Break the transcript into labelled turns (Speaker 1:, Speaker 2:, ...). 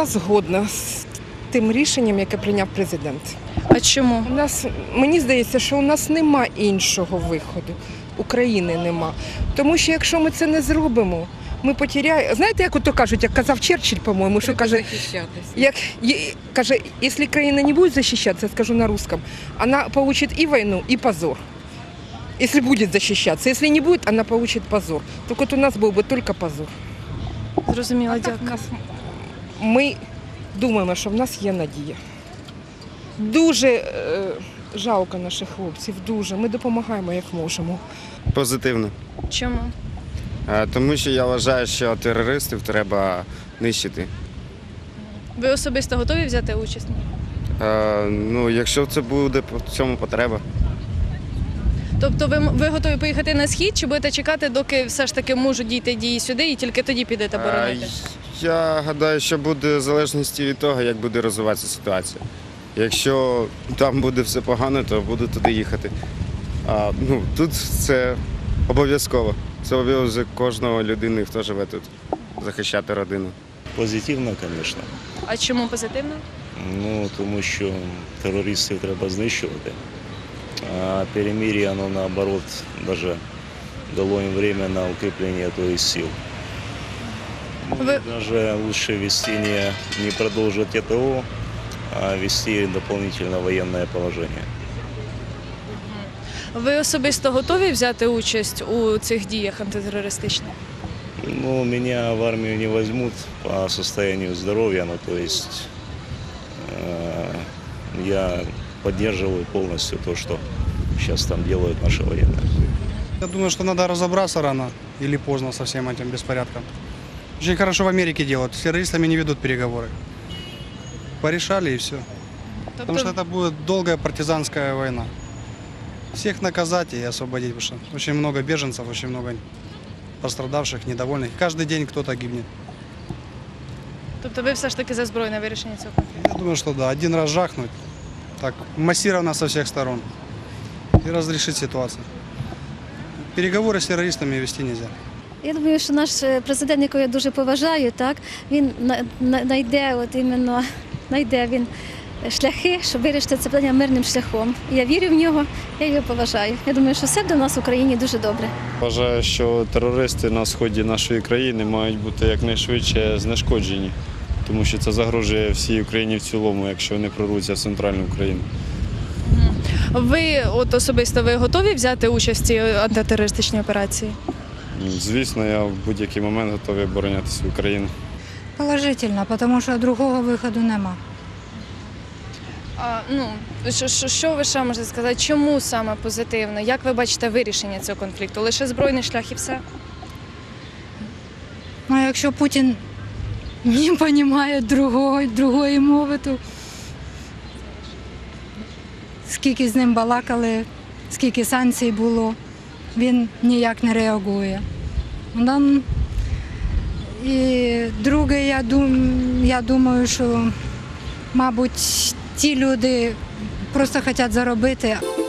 Speaker 1: Я згодна з тим рішенням, яке прийняв президент.
Speaker 2: А чому?
Speaker 1: Мені здається, що у нас нема іншого виходу. України нема. Тому що якщо ми це не зробимо, ми потеряємо. Знаєте, як ото кажуть, як казав Черчилль, по-моєму, що каже, каже, якщо країна не буде захищатися, скажу на русском, вона получить і війну, і позор. Если будет защищаться. Если не будет, она получит позор. Так вот у нас был бы только позор.
Speaker 2: Зрозуміло, дякую.
Speaker 1: Ми думаємо, що в нас є надія. Дуже жалко наших хлопців, дуже. Ми допомагаємо, як можемо.
Speaker 3: Позитивно.
Speaker 2: Чому?
Speaker 3: Тому що я вважаю, що терористів треба нищити.
Speaker 2: Ви особисто готові взяти участь?
Speaker 3: Ну, якщо це буде в цьому потреба.
Speaker 2: Тобто ви готові поїхати на схід, чи будете чекати, доки все ж таки можуть дійти дії сюди, і тільки тоді підете боронити?
Speaker 3: Я гадаю, що буде в залежності від того, як буде розвиватися ситуація. Якщо там буде все погано, то буду туди їхати. Тут це обов'язково. Це обов'язок кожного людини, хто живе тут, захищати родину.
Speaker 4: Позитивно, звісно.
Speaker 2: А чому позитивно?
Speaker 4: Тому що терористів треба знищувати. А перемир'я, воно наоборот, даже дало їм время на укріплення тої сил. Даже лучше вести не продовжувати ТО, а вести дополнительно воєнне положення.
Speaker 2: Ви особисто готові взяти участь у цих діях антитерористичних?
Speaker 4: Меня в армию не возьмут по состоянию здоровья, то есть я поддерживаю полностью то, что сейчас там делают наши военные.
Speaker 5: Я думаю, что надо разобраться рано или поздно со всем этим беспорядком. Очень хорошо в Америке делают, с террористами не ведут переговоры. Порешали и все. Потому что это будет долгая партизанская война. Всех наказать и освободить, потому что очень много беженцев, очень много пострадавших, недовольных. Каждый день кто-то гибнет.
Speaker 2: Тобто ви все ж таки за збройне вирішення цього конфлікту?
Speaker 5: Я думаю, что да, один раз жахнуть, так массированно со всех сторон и разрешить ситуацию. Переговори з терористами вести не можна.
Speaker 6: Я думаю, що наш президент, якого я дуже поважаю, так, він знайде він шляхи, щоб вирішити це питання мирним шляхом. Я вірю в нього, я його поважаю. Я думаю, що все до нас в Україні дуже добре.
Speaker 7: Вважаю, що терористи на сході нашої країни мають бути якнайшвидше знешкоджені, тому що це загрожує всій Україні в цілому, якщо вони прорвуться в центральну Україну.
Speaker 2: Ви особисто готові взяти участь в цій антитерористичній операції?
Speaker 7: Звісно, я в будь-який момент готовий обороняти свою країну.
Speaker 8: Положительно, тому що другого виходу нема.
Speaker 2: Що ви ще можете сказати? Чому саме позитивно? Як ви бачите вирішення цього конфлікту? Лише збройний шлях і все?
Speaker 8: Якщо Путін не розуміє другої мови, то скільки з ним балакали, скільки санкцій було, він ніяк не реагує. І друге, я думаю, що, мабуть, ті люди просто хочуть заробити.